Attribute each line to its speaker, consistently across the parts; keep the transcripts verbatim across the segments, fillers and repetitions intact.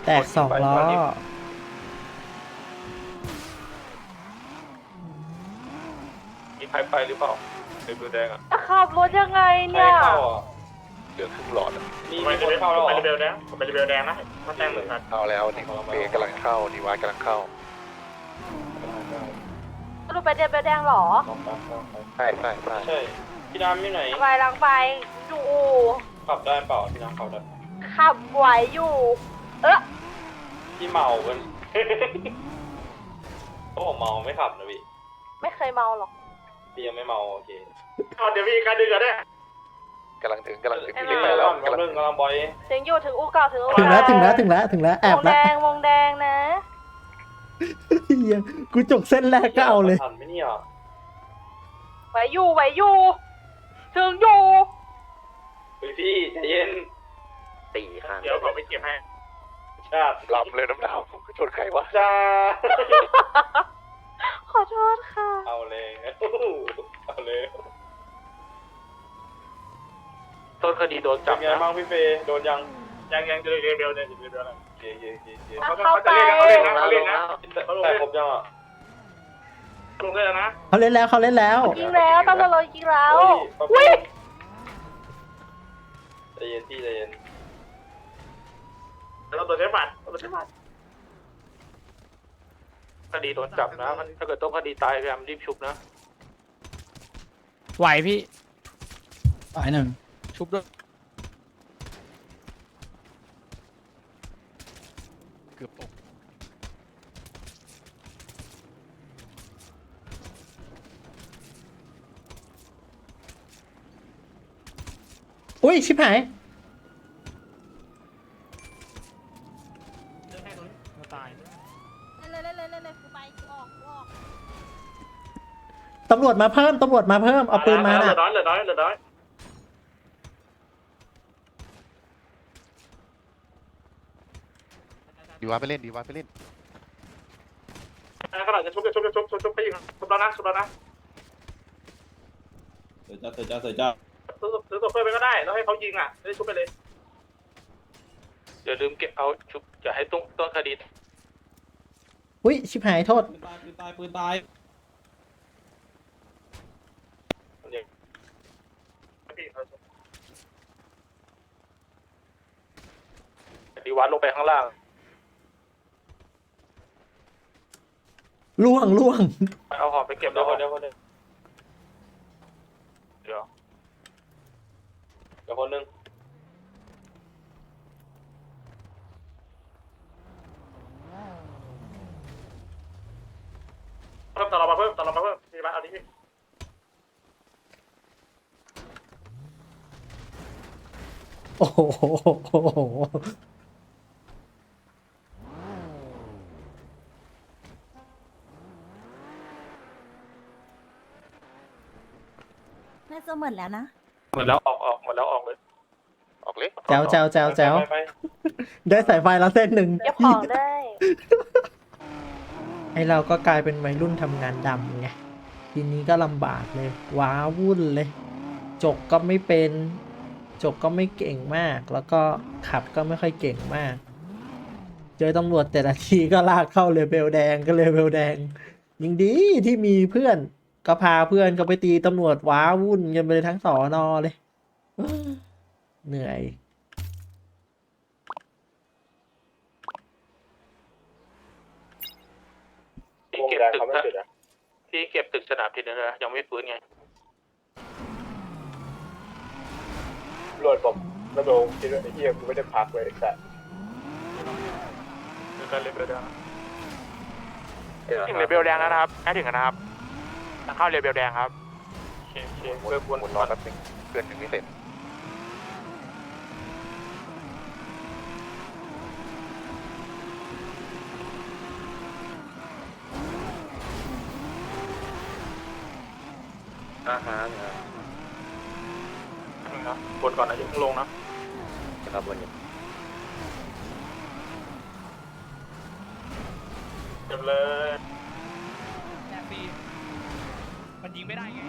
Speaker 1: แตกสองล้อ
Speaker 2: มีใครไปหรือเปล่าเรือแดงอ่ะ
Speaker 3: จะขับรถยังไง
Speaker 2: ใคร
Speaker 3: เนี่ย
Speaker 2: เข้าอ่ะเหลือครึ่งหลอดมีมีคนเข้าแล้วเหรอ
Speaker 4: ไปเรือแดงไปเรือแดงนะมาแจ้งเหมือนกัน
Speaker 5: เข้าแล้วนี่เบกำลังเข้าดีวายกำลังเข้า
Speaker 3: รูปไปเดียบแดงเหรอ
Speaker 5: ใช่ใช่ใช่
Speaker 2: ใช่พี่ดำอยู่ไหน
Speaker 3: ไปลังไปอยู่
Speaker 2: ขับได้เปล่าพี่ดำขับได้
Speaker 3: ขับไหวอยู่ เออ
Speaker 2: พี่เมากัน เขาบอกเมาไม่ขับนะพี่
Speaker 3: ไม่เคยเมาหรอก
Speaker 2: พี่ยังไม่เมาโอเค
Speaker 4: เอาเดี๋ยวมีการดึงกันได้
Speaker 5: กำลังถึงกำลังถึง
Speaker 3: ไอ้
Speaker 5: ถึง
Speaker 3: มา
Speaker 5: ไปแล้ว
Speaker 2: กำลังกำลังบอย
Speaker 3: ถึงอยู่ถึงอู่เก่าถึงอู่
Speaker 1: ถึงแล้ว
Speaker 3: เก่า
Speaker 1: ถึงแล้วถึงแล้วถึงแล้วแอบ
Speaker 3: วงแด
Speaker 1: แล้ว
Speaker 3: งวงแดงนะ
Speaker 1: เหี้ยกูจกเส้นแรกก็เอาเลย
Speaker 2: ทันไหมเนี่ย
Speaker 3: ไหวอยู่ไหวอยู่ ถึงอยู่
Speaker 2: เฮ้ยพี่ใจเย็น
Speaker 5: ตีข้าง
Speaker 4: เดี๋ยวผมไปเก็บให้
Speaker 2: ชาติ
Speaker 5: ลำเลยน้ำดาวชนใครวะ
Speaker 2: จ้า
Speaker 3: ขอโทษค่ะ
Speaker 2: เอาเลยเอาเลย
Speaker 4: ต้นคดีโดน
Speaker 2: จั
Speaker 4: จั
Speaker 2: บบ ไง
Speaker 4: นะ
Speaker 2: บ้างพี่เฟย์โดนยัง
Speaker 4: ยังยังเรือเรือเรือเนี่ยเรือเรืออะไร
Speaker 2: เย่เย่เย่เย่
Speaker 3: เอา
Speaker 4: เขา
Speaker 3: เข้า
Speaker 4: จะ
Speaker 3: ไป
Speaker 4: เล่นนะเขาเล่นนะเขาเล่นนะ
Speaker 2: แต่ครบยังอ่ะ
Speaker 4: ลงเลยนะ
Speaker 1: เขาเล่นแล้วเขาเล่นแล้ว
Speaker 3: ยิงแล้วตำรวจเรายิงแล้ว
Speaker 2: เฮ้
Speaker 3: อุ้
Speaker 2: ย
Speaker 3: ย
Speaker 2: ใจเย็นพี่ใจเย็น
Speaker 4: เราตัวใช้บัตรตัวใช้บัตรคดีโดนจับนะถ้าเกิดต้องคดีตายพยายามรีบชุบนะ
Speaker 6: ไหวพี่ไหวหนึ่งชุบด้วยเกือบตก
Speaker 1: อุ้ยชิบหาย
Speaker 6: ตาย
Speaker 7: เล่นเลยเล่นเลยเล่นกูไปกูออกกูออก
Speaker 1: ตำรวจมาเพิ่มตำรวจมาเพิ่มเอาปืนมา
Speaker 4: เหลื
Speaker 1: น่ะ
Speaker 4: อน้อยเหลือน้อยเหลือน้อย
Speaker 5: ดีวายไปเล่นดีวายไปเล่น
Speaker 4: ขนาดจะชุบจะชุบจะชุบชุบชุบไปยิงชุบแล้วนะชุบแล้วนะ
Speaker 2: เสือจ้าเสือจ้าเสือจ้า
Speaker 4: ซื้อซื้อตัวเพิ่มไปก็ได้แล้วให้เขายิงอ่ะได้ชุบไปเลยอย่าลืมเก็บเอาชุบอย่าให้ต้นต้นคดี
Speaker 1: อุ้ยชิบหายโทษ
Speaker 2: ปืนตายปืนตายปืนตาย
Speaker 4: ดีวัดลงไปข้างล่าง
Speaker 1: ล่วงล่วง
Speaker 4: เอาหอบไปเก็บ
Speaker 2: เดี๋
Speaker 4: แล้
Speaker 2: ยว ว
Speaker 4: ค
Speaker 2: คน
Speaker 4: น
Speaker 2: เดี๋ยวคนหนึ่ง
Speaker 4: เดี๋ยว
Speaker 2: เดี๋ยวคนหนึ่ง
Speaker 4: เพิ่มตลอดมาเพิ่มตลอดมาเพิ่มดีวัดเอาดิพี่
Speaker 1: โอ้โห
Speaker 7: น่าจะหมดแล้วนะ
Speaker 4: หมดแล้วออกออกหมดแล้วออกเลย
Speaker 5: ออกเลย
Speaker 1: แจ๋วแจ๋วแจ๋วแจ๋ว
Speaker 2: ไปไป
Speaker 1: ได้สายไฟแล้วเส้นหนึ่ง
Speaker 3: เก็บของได้
Speaker 1: ไอเราก็กลายเป็นวัยรุ่นทำงานดำไงทีนี้ก็ลำบากเลยว้าวุ่นเลย จกก็ไม่เป็น จกก็ไม่เก่งมาก แล้วก็ขับก็ไม่ค่อยเก่งมาก เจอตำรวจแต่ละทีก็ลากเข้าเลเวลแดงก็เลเวลแดงยิ่งดีที่มีเพื่อนก็พาเพื่อนก็ไปตีตำรวจว้าวุ่นกันไปเลยทั้งสอนอเลยเอ้อเหนื่อย
Speaker 4: ที่เก็บตึกที่เก็บตึกสนามทีนึงนะยังไม่ฟื้นไง
Speaker 2: รวดผมระโดดคิดว่าไอ้เหี้ยกูไม่ได้พักเลยแต่
Speaker 4: ถึงกันเลเวลแดงถึงเลเวลแดงแล้วนะครับใกล้ถึงแล้วนะครับเข้าเลเวลแดงครับโอเคโอเค
Speaker 5: หมุน
Speaker 4: เริ่มวน
Speaker 5: หมุนรอแป๊บนึงเพื่อนถึงไม่เสร็จ
Speaker 2: อาหาร
Speaker 4: นะวนก่อนนะอย่าเพิ่งลงนะ
Speaker 5: นะครับวันนี้
Speaker 4: เก็บเลย
Speaker 6: แอบปีมันยิงไม่ได้ไง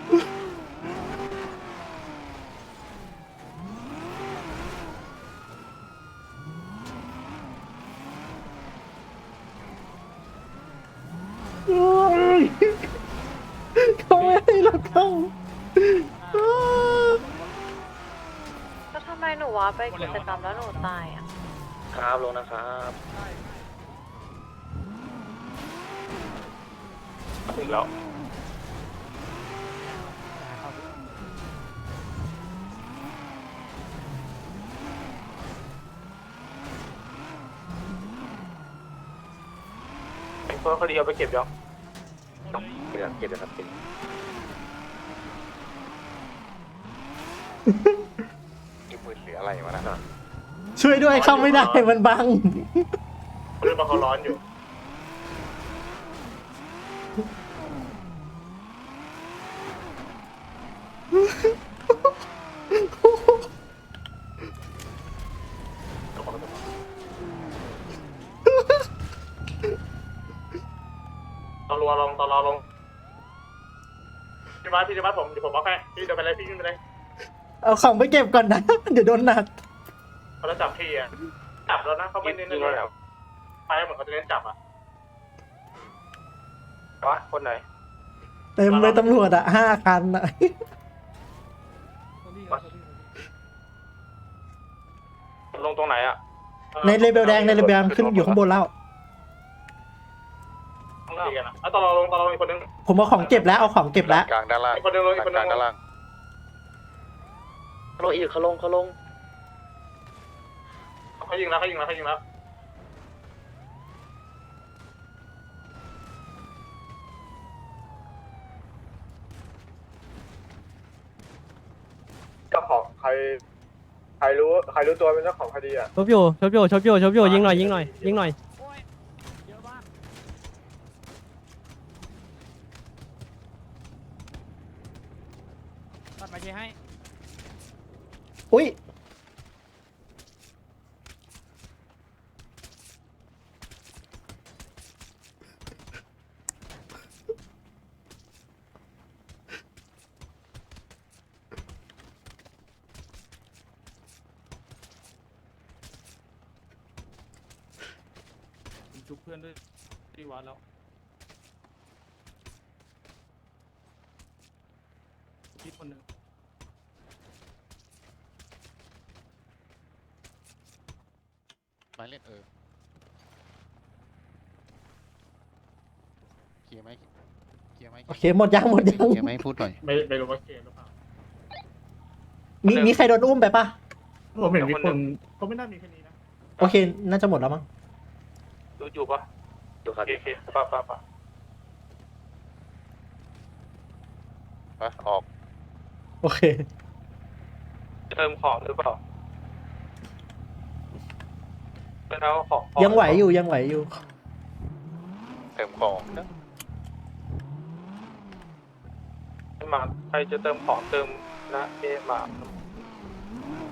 Speaker 1: เขาไม่ให้เราเข้า
Speaker 3: ก็ทำไมหนูวะไปกิจกรรมแล้วหนูตายอ่ะ
Speaker 5: ครับลงนะครับ
Speaker 2: ถึงแล้วไอ้พวกคดีเอาไปเก็บยัง
Speaker 5: เก็บเก็บนะครับเก็บอีมือเหลืออะไรวะนะ
Speaker 1: ช่วยด้วยเข้าไม่ได้มันบัง
Speaker 2: เรื่องมาเขาร้อนอยู่ ตอนรัวลงตอนรอลงพี่วัดพี่วัดผมเดี๋ยวผมบอกให้พี่เดินไปเลยพี่ขึ้นไปเลย
Speaker 1: เอาของไปเก็บก่อนนะ เดี๋ยวโดนหนัก
Speaker 2: เขาจะจับพี่อ่ะจับแล้วนะเขาไม่เน้นเลยไปเหมือนเขาจะเน้นจับอ่ะวะคนไหน
Speaker 1: เต็มเลยตำรวจอ่ะห้าคันอ่ะ
Speaker 2: ลงตรงไหนอ่ะ
Speaker 1: ในเลเบลแดงในเลเบลแดงขึ้นอยู่ข้างบนแล้ว
Speaker 2: ต้องตีกันอ่ะแล้วตอนเราลงตอนเราอีกคนนึง
Speaker 1: ผมเอาของเก็บแล้วเอาของเก็บแล้ว
Speaker 5: กลางด้านล่าง
Speaker 2: อีกคนนึงลงอีกคนนึ
Speaker 5: กลาง
Speaker 2: ง
Speaker 5: ด้านล่างเขาลงอีกเขาลงเขาลง
Speaker 2: เขายิงแล้วเขายิงแล้วเขายิงแล้วเจ้าของใครใครรู้ใครรู้ตัวเป็นเจ้าของคดีอ่ะ
Speaker 8: ชบอยู่ชบอยู่ชบอยู่ชบอยู่ยิงหน่อยยิงหน่อยยิงหน่อย
Speaker 6: โอ้ยเยอะมากตัดมาเชให้
Speaker 1: อุ้ย
Speaker 6: ผมชุบเพื่อนด้วยที่วัดแล้วคิดคนหนึ่ง
Speaker 5: มาเล่นเออเคลียร์ไหมเคลียร์ไหม
Speaker 1: โอเคหมดยังหมดยัง
Speaker 5: เคลียร์ไหมพูดหน่อย
Speaker 2: ไม่ไม่รู้ว่าเกมหรือเปล่า
Speaker 1: มีมีใครโดนอุ้มไปปะ
Speaker 2: ผมเห็นมีคนเขาไม่น่ามีแค่นี้นะ
Speaker 1: โอเค น่าจะหมดแล้วมั้ง
Speaker 2: ดูอยู่ปะ
Speaker 5: ดูครับ
Speaker 2: โอเคป่ะป่ะป่ะ
Speaker 5: ไปออก
Speaker 1: โอเค
Speaker 2: เติมของหรือเปล่าเป็นเอาของ
Speaker 1: ยังไหวอยู่ยังไหวอยู่
Speaker 5: เติมของนะ
Speaker 2: มาใครจะเติมของเติมนะเอมา